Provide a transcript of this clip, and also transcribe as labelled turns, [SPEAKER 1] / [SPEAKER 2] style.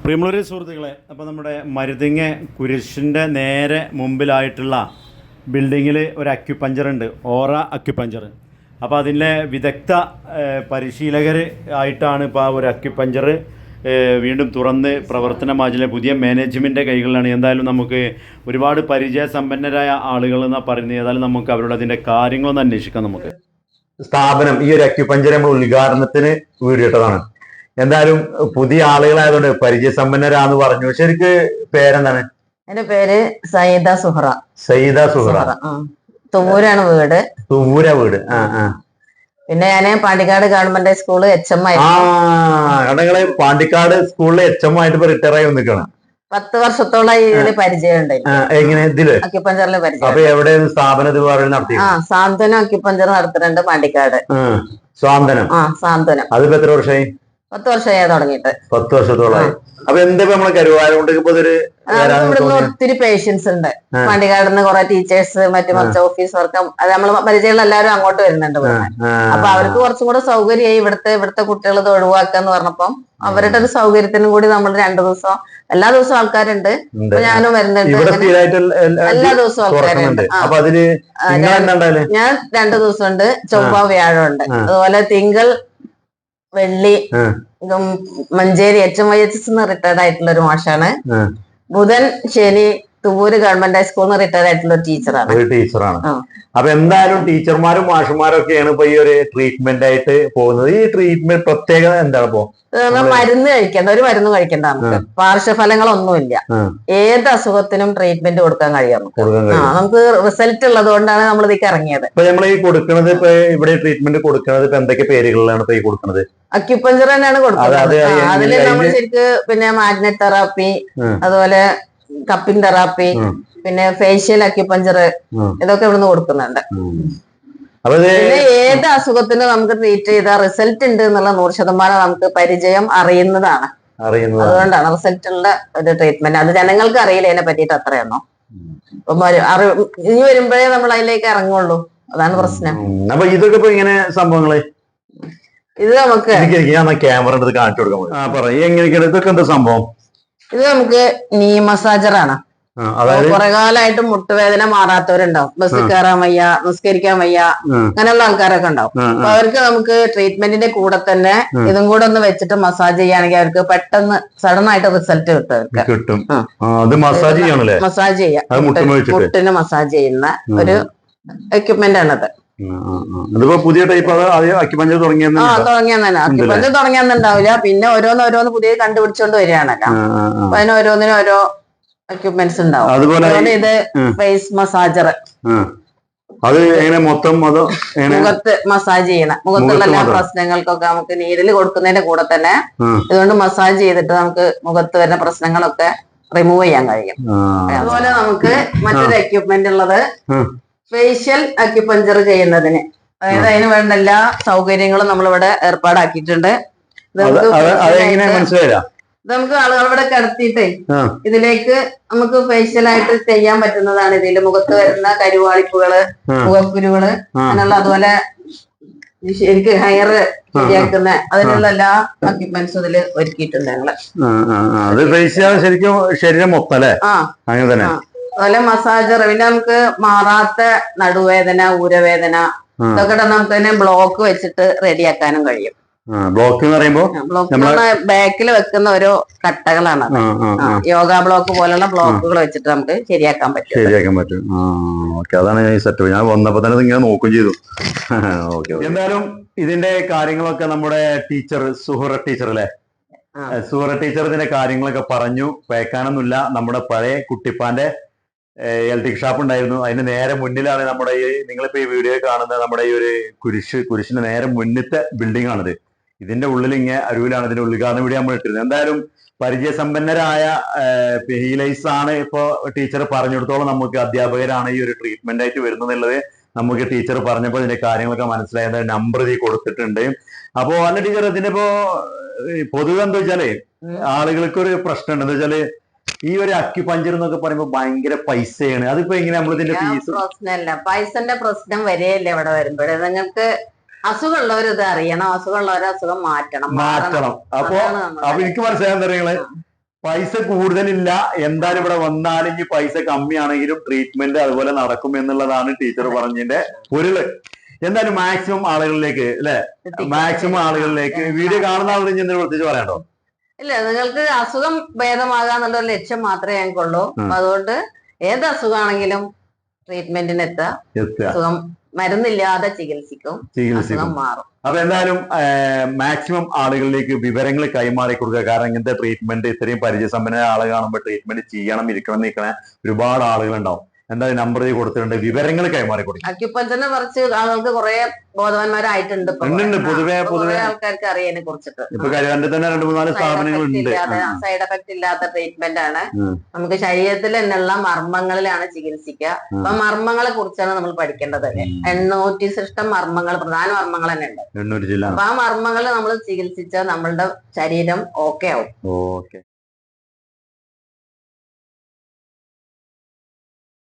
[SPEAKER 1] പ്രിയമുള്ളവരെ സുഹൃത്തുക്കളെ, അപ്പോൾ നമ്മുടെ മരുതിങ്ങ കുരിശിൻ്റെ നേരെ മുമ്പിലായിട്ടുള്ള ബിൽഡിങ്ങിൽ ഒരു അക്യുപഞ്ചർ ഉണ്ട്, ഓറ അക്യുപഞ്ചർ. അപ്പോൾ അതിൻ്റെ വിദഗ്ധ പരിശീലകർ ആയിട്ടാണ് ഇപ്പോൾ ആ ഒരു അക്യുപഞ്ചർ വീണ്ടും തുറന്ന് പ്രവർത്തനമാചിലെ പുതിയ മാനേജ്മെൻറ്റിൻ്റെ കൈകളിലാണ്. എന്തായാലും നമുക്ക് ഒരുപാട് പരിചയസമ്പന്നരായ ആളുകൾ എന്നാണ് പറയുന്നത്. ഏതായാലും നമുക്ക് അവരോട് അതിൻ്റെ കാര്യങ്ങളൊന്ന് അന്വേഷിക്കാം. നമുക്ക്
[SPEAKER 2] സ്ഥാപനം ഈ ഒരു അക്യുപഞ്ചർ നമ്മൾ ഉദ്ഘാടനത്തിന് വീടിട്ടതാണ്. എന്തായാലും പുതിയ ആളുകളായതുകൊണ്ട് പരിചയസമ്പന്നരാന്ന് പറഞ്ഞു. ശരിക്ക് പേരെന്താണ്?
[SPEAKER 3] എന്റെ പേര് സയ്യിദ സുഹറ.
[SPEAKER 2] സയ്യിദ സുഹറ.
[SPEAKER 3] തുവൂരാണ് വീട്.
[SPEAKER 2] തുവൂര വീട്.
[SPEAKER 3] പിന്നെ ഞാന് പാണ്ടിക്കാട് ഗവൺമെന്റ് സ്കൂള് HM
[SPEAKER 2] ആയിരുന്നു. പാണ്ടിക്കാട് സ്കൂളിലെ HM ആയിട്ട് ഇപ്പൊ റിട്ടയർ ആയി വന്നിക്കാണ്.
[SPEAKER 3] 10 വർഷത്തോളം ഇതില് പരിചയം
[SPEAKER 2] എങ്ങനെ ഇതില്
[SPEAKER 3] അക്യുപഞ്ചറിൽ പരിചയം.
[SPEAKER 2] അപ്പൊ എവിടെ സ്ഥാപനത്തിൽ നടത്തി?
[SPEAKER 3] സാന്ത്വനം അക്യുപഞ്ചർ നടത്തുന്നുണ്ട് പാണ്ടിക്കാട്.
[SPEAKER 2] സാന്ത്വനം.
[SPEAKER 3] സാന്ത്വനം.
[SPEAKER 2] അതിപ്പോ എത്ര വർഷമായി?
[SPEAKER 3] 10 വർഷമായി തുടങ്ങിയിട്ട്.
[SPEAKER 2] 10 വർഷത്തോളമായി. അപ്പൊ എന്താ നമ്മളെ കരുവാരം കൊണ്ട് ഇപ്പൊ
[SPEAKER 3] ഇവിടുന്ന് ഒത്തിരി പേഷ്യൻസ് ഉണ്ട്. പാണ്ടിക്കാടിന്ന് കുറെ ടീച്ചേഴ്സ്, മറ്റു ഓഫീസ് വർക്ക്, അത് നമ്മള് പരിചയമുള്ള എല്ലാവരും അങ്ങോട്ട് വരുന്നുണ്ട്. അപ്പൊ അവർക്ക് കുറച്ചും കൂടെ സൗകര്യമായി ഇവിടുത്തെ കുട്ടികൾ ഇത് ഒഴിവാക്കാന്ന് പറഞ്ഞപ്പം അവരുടെ ഒരു സൗകര്യത്തിനും കൂടി നമ്മൾ 2 ദിവസം, എല്ലാ ദിവസവും ആൾക്കാരുണ്ട്. ഞാനും വരുന്നുണ്ട്. എല്ലാ ദിവസവും ആൾക്കാരുണ്ട്. ഞാൻ 2 ദിവസം ഉണ്ട്. ചൊവ്വ വ്യാഴം ഉണ്ട്. അതുപോലെ തിങ്കൾ വെള്ളി മഞ്ചേരി HMIHS റിട്ടയർഡ് ആയിട്ടുള്ള ഒരു മാഷാണ്. ബുധൻ ശനി തുവൂര് ഗവൺമെന്റ് ഹൈസ്കൂളിൽ റിട്ടയർഡ് ആയിട്ടുള്ള ഒരു ടീച്ചറാണ്.
[SPEAKER 2] അപ്പൊ എന്തായാലും ടീച്ചർമാരും മാഷുമാരും ഒക്കെയാണ് ഇപ്പൊ ഈ ഒരു ട്രീറ്റ്മെന്റ് ആയിട്ട് പോകുന്നത്. ഈ ട്രീറ്റ്മെന്റ് പ്രത്യേകത എന്താണ്? ഇപ്പോ
[SPEAKER 3] മരുന്ന് കഴിക്കേണ്ട, ഒരു മരുന്ന് കഴിക്കേണ്ട, നമുക്ക് പാർശ്വഫലങ്ങളൊന്നുമില്ല. ഏത് അസുഖത്തിനും ട്രീറ്റ്മെന്റ് കൊടുക്കാൻ കഴിയും. നമുക്ക് റിസൾട്ട് ഉള്ളത് കൊണ്ടാണ് നമ്മൾ ഇതിലേക്ക് ഇറങ്ങിയത്.
[SPEAKER 2] ഇപ്പൊ നമ്മൾ ഈ കൊടുക്കുന്നത്, ഇപ്പൊ ഇവിടെ ട്രീറ്റ്മെന്റ് കൊടുക്കുന്നത് ഇപ്പൊ എന്തൊക്കെ പേരുകളിലാണ് ഇപ്പൊ ഈ കൊടുക്കുന്നത്?
[SPEAKER 3] അക്യുപഞ്ചർ തന്നെയാണ് കൊടുക്കുന്നത്. അതില് നമ്മൾ ശരിക്ക് പിന്നെ മാഗ്നറ്റ് തെറാപ്പി, അതുപോലെ കപ്പിംഗ് തെറാപ്പി, പിന്നെ ഫേഷ്യൽ അക്യുപഞ്ചർ, ഇതൊക്കെ ഇവിടുന്ന് കൊടുക്കുന്നുണ്ട്. പിന്നെ ഏത് അസുഖത്തിന് നമുക്ക് ട്രീറ്റ് ചെയ്താൽ റിസൾട്ട് ഉണ്ട് എന്നുള്ള 100% നമുക്ക് പരിചയം അറിയുന്നതാണ്. അതുകൊണ്ടാണ് റിസൾട്ട് ഉള്ള ഒരു ട്രീറ്റ്മെന്റ്. അത് ജനങ്ങൾക്ക് അറിയില്ല അതിനെ പറ്റിയിട്ട് അത്രയൊന്നും. ഇനി വരുമ്പോഴേ നമ്മൾ അതിലേക്ക് ഇറങ്ങുള്ളൂ. അതാണ് പ്രശ്നം.
[SPEAKER 2] അപ്പൊ ഇതൊക്കെ ഇപ്പൊ ഇങ്ങനെ സംഭവങ്ങള്
[SPEAKER 3] ഇത് നമുക്ക്
[SPEAKER 2] ക്യാമറ കാണിച്ചു കൊടുക്കാൻ ഇതൊക്കെ എന്താ സംഭവം?
[SPEAKER 3] ഇത് നമുക്ക് നീ മസാജറാണ്. കുറെ കാലമായിട്ട് മുട്ടുവേദന മാറാത്തവരുണ്ടാവും. ബസ് കയറാൻ വയ്യ, നിസ്കരിക്കാൻ വയ്യ, അങ്ങനെയുള്ള ആൾക്കാരൊക്കെ ഉണ്ടാവും. അപ്പൊ അവർക്ക് നമുക്ക് ട്രീറ്റ്മെന്റിന്റെ കൂടെ തന്നെ ഇതും കൂടെ ഒന്ന് വെച്ചിട്ട് മസാജ് ചെയ്യുകയാണെങ്കിൽ അവർക്ക് പെട്ടെന്ന് സഡൻ ആയിട്ട് റിസൾട്ട് കിട്ടും. മസാജ് ചെയ്യാം. മുട്ടിന് മസാജ് ചെയ്യുന്ന ഒരു എക്യുപ്മെന്റ് ആണത്.
[SPEAKER 2] പുതിയ ടൈപ്പ് അക്യുപഞ്ചർ
[SPEAKER 3] അക്യുപഞ്ചർ തുടങ്ങിയെന്നുണ്ടാവില്ല. പിന്നെ ഓരോന്ന് പുതിയ കണ്ടുപിടിച്ചോണ്ട് വരികയാണല്ലോ. അപ്പൊ അതിന് ഓരോന്നിനും ഓരോ എക്യുപ്മെന്റ്സ് ഉണ്ടാവും. അതുപോലെ ഇത് ഫേസ് മസാജർ.
[SPEAKER 2] അത് എങ്ങനെ മൊത്തം
[SPEAKER 3] മുഖത്ത് മസാജ് ചെയ്യണം. മുഖത്തുള്ള എല്ലാ പ്രശ്നങ്ങൾക്കൊക്കെ നമുക്ക് നീരിൽ കൊടുക്കുന്നതിന്റെ കൂടെ തന്നെ ഇതുകൊണ്ട് മസാജ് ചെയ്തിട്ട് നമുക്ക് മുഖത്ത് വരുന്ന പ്രശ്നങ്ങളൊക്കെ റിമൂവ് ചെയ്യാൻ കഴിയും. അതുപോലെ നമുക്ക് മറ്റൊരു എക്യുപ്മെന്റ് ഉള്ളത് ഫേഷ്യൽ അക്യുപഞ്ചർ ചെയ്യുന്നതിന്, അതായത് അതിന് വേണ്ട എല്ലാ സൗകര്യങ്ങളും നമ്മളിവിടെ ഏർപ്പാടാക്കിയിട്ടുണ്ട്. നമുക്ക് ആളുകൾ ഇവിടെ കിടത്തിയിട്ടേ ഇതിലേക്ക് നമുക്ക് ഫേഷ്യലായിട്ട് ചെയ്യാൻ പറ്റുന്നതാണ്. ഇതിൽ മുഖത്ത് വരുന്ന കരുവാളിപ്പുകള്, മുഖക്കുരുകള്, അങ്ങനെയുള്ള, അതുപോലെ ശരിക്ക് ഹെയർ ശരിയാക്കുന്ന അതിനുള്ള എല്ലാ എക്യുപ്മെന്റ്സും ഇതിൽ ഒരുക്കിയിട്ടുണ്ട് ഞങ്ങള്.
[SPEAKER 2] ശരീരം മൊത്തം അല്ലേ?
[SPEAKER 3] അതുപോലെ മസാജർ. പിന്നെ നമുക്ക് മാറാത്ത നടുവേദന, ഊരവേദന, ഇതൊക്കെ നമുക്ക് തന്നെ ബ്ലോക്ക് വെച്ചിട്ട് റെഡിയാക്കാനും കഴിയും.
[SPEAKER 2] ബ്ലോക്ക് എന്ന് പറയുമ്പോൾ
[SPEAKER 3] ബാക്കിൽ വെക്കുന്ന ഓരോ കട്ടകളാണ്. യോഗ ബ്ലോക്ക് പോലുള്ള ബ്ലോക്കുകൾ വെച്ചിട്ട് നമുക്ക് ശരിയാക്കാൻ പറ്റും.
[SPEAKER 2] അതാണ് ഈ സെറ്റപ്പ്. ഞാൻ വന്നപ്പോ തന്നെ ഇങ്ങനെ നോക്കുകയും ചെയ്തു. എന്തായാലും ഇതിന്റെ കാര്യങ്ങളൊക്കെ നമ്മുടെ ടീച്ചർ സുഹറ ടീച്ചർ അല്ലേ? സുഹറ ടീച്ചർ ഇതിന്റെ കാര്യങ്ങളൊക്കെ പറഞ്ഞു. പേക്കാനൊന്നുമില്ല. നമ്മുടെ പഴയ കുട്ടിപ്പാന്റെ ഇലക്ട്രിക് ഷാപ്പ് ഉണ്ടായിരുന്നു. അതിന് നേരെ മുന്നിലാണ് നമ്മുടെ ഈ നിങ്ങളിപ്പോ ഈ വീഡിയോ കാണുന്ന നമ്മുടെ ഈ ഒരു കുരിശിന്റെ നേരെ മുന്നത്തെ ബിൽഡിംഗ് ആണിത്. ഇതിന്റെ ഉള്ളിൽ ഇങ്ങനെ അരുവിലാണ് ഇതിന്റെ ഉദ്ഘാടനം വീഡിയോ നമ്മൾ ഇട്ടിരുന്നത്. എന്തായാലും പരിചയസമ്പന്നരായ ഹീലേഴ്സ് ആണ് ഇപ്പോ ടീച്ചർ പറഞ്ഞെടുത്തോളം നമുക്ക് അധ്യാപകരാണ് ഈ ഒരു ട്രീറ്റ്മെന്റ് ആയിട്ട് വരുന്നത്. നമുക്ക് ടീച്ചർ പറഞ്ഞപ്പോൾ ഇതിന്റെ കാര്യങ്ങളൊക്കെ മനസ്സിലായത്. നമ്പർ ഇതിൽ കൊടുത്തിട്ടുണ്ട്. അപ്പോ അല്ല ടീച്ചർ, ഇതിനിപ്പോ പൊതുവെ എന്താ വെച്ചാല് ആളുകൾക്ക് ഒരു പ്രശ്നം ഉണ്ട്. എന്താ വെച്ചാല് ഈ ഒരു അക്യുപഞ്ചർ എന്നൊക്കെ പറയുമ്പോ ഭയങ്കര പൈസയാണ്. അതിപ്പോ എങ്ങനെ നമ്മൾ ഇതിന്റെ ഫീസ്?
[SPEAKER 3] പ്രശ്നമല്ല, പൈസന്റെ പ്രശ്നം വരെയല്ലേ ഇവിടെ വരുമ്പോഴേ. നിങ്ങൾക്ക് അസുഖമുള്ളവർ ഇത് അറിയണം. അസുഖമുള്ളവരെ അസുഖം മാറ്റണം.
[SPEAKER 2] അപ്പൊ എനിക്ക് മനസ്സിലാക്കാൻ പൈസ കൂടുതലില്ല, എന്തായാലും ഇവിടെ വന്നാലും ഇനി പൈസ കമ്മിയാണെങ്കിലും ട്രീറ്റ്മെന്റ് അതുപോലെ നടക്കും എന്നുള്ളതാണ് ടീച്ചർ പറഞ്ഞതിന്റെ പൊരുള്. എന്തായാലും മാക്സിമം ആളുകളിലേക്ക് അല്ലെ, മാക്സിമം ആളുകളിലേക്ക് വീഡിയോ കാണുന്ന ആളുകൾ എന്തെങ്കിലും പ്രത്യേകിച്ച് പറയാണ്ടോ?
[SPEAKER 3] ഇല്ല, നിങ്ങൾക്ക് അസുഖം ഭേദമാകാന്നുള്ള ഒരു ലക്ഷ്യം മാത്രമേ ഞങ്ങൾക്കുള്ളൂ. അതുകൊണ്ട് ഏത് അസുഖമാണെങ്കിലും ട്രീറ്റ്മെന്റിന് എത്തുക, അസുഖം മരുന്നില്ലാതെ ചികിത്സിക്കും, അസുഖം മാറും.
[SPEAKER 2] അപ്പൊ എന്തായാലും മാക്സിമം ആളുകളിലേക്ക് വിവരങ്ങൾ കൈമാറി കൊടുക്കുക. കാരണം ഇങ്ങനത്തെ ട്രീറ്റ്മെന്റ് ഇത്രയും പരിചയസമ്പന്നമായ ആളെ കാണുമ്പോൾ ട്രീറ്റ്മെന്റ് ചെയ്യണം, ഇരിക്കണം, നിൽക്കണ ഒരുപാട് ആളുകൾ ഉണ്ടാവും. എന്തായാലും നമ്പർ കൊടുത്തിട്ടുണ്ട്, വിവരങ്ങൾ കൈമാറി കൊടുക്കും.
[SPEAKER 3] അക്യുപഞ്ചറിനെ കുറിച്ച് ആളുകൾക്ക് കുറെ ബോധവാന്മാരായിട്ടുണ്ട്. പൊതുവെ ആൾക്കാർക്ക് അറിയാനെ കുറിച്ചിട്ട്
[SPEAKER 2] ഇപ്പൊ കരുവാൻ്റെ തന്നെ 2-3-4 സ്ഥാപനങ്ങളുണ്ട്.
[SPEAKER 3] സൈഡ് എഫക്ട് ഇല്ലാത്ത ട്രീറ്റ്മെന്റ് ആണ്. നമുക്ക് ശരീരത്തിൽ തന്നെയുള്ള മർമ്മങ്ങളിലാണ് ചികിത്സിക്കുക. അപ്പൊ മർമ്മങ്ങളെ കുറിച്ചാണ് നമ്മൾ പഠിക്കേണ്ടത്. 800 സൃഷ്ടം മർമ്മങ്ങൾ, പ്രധാന മർമ്മങ്ങൾ തന്നെ ഉണ്ട്. അപ്പൊ ആ മർമ്മങ്ങൾ നമ്മൾ ചികിത്സിച്ചാൽ നമ്മളുടെ ശരീരം ഓക്കെ ആവും.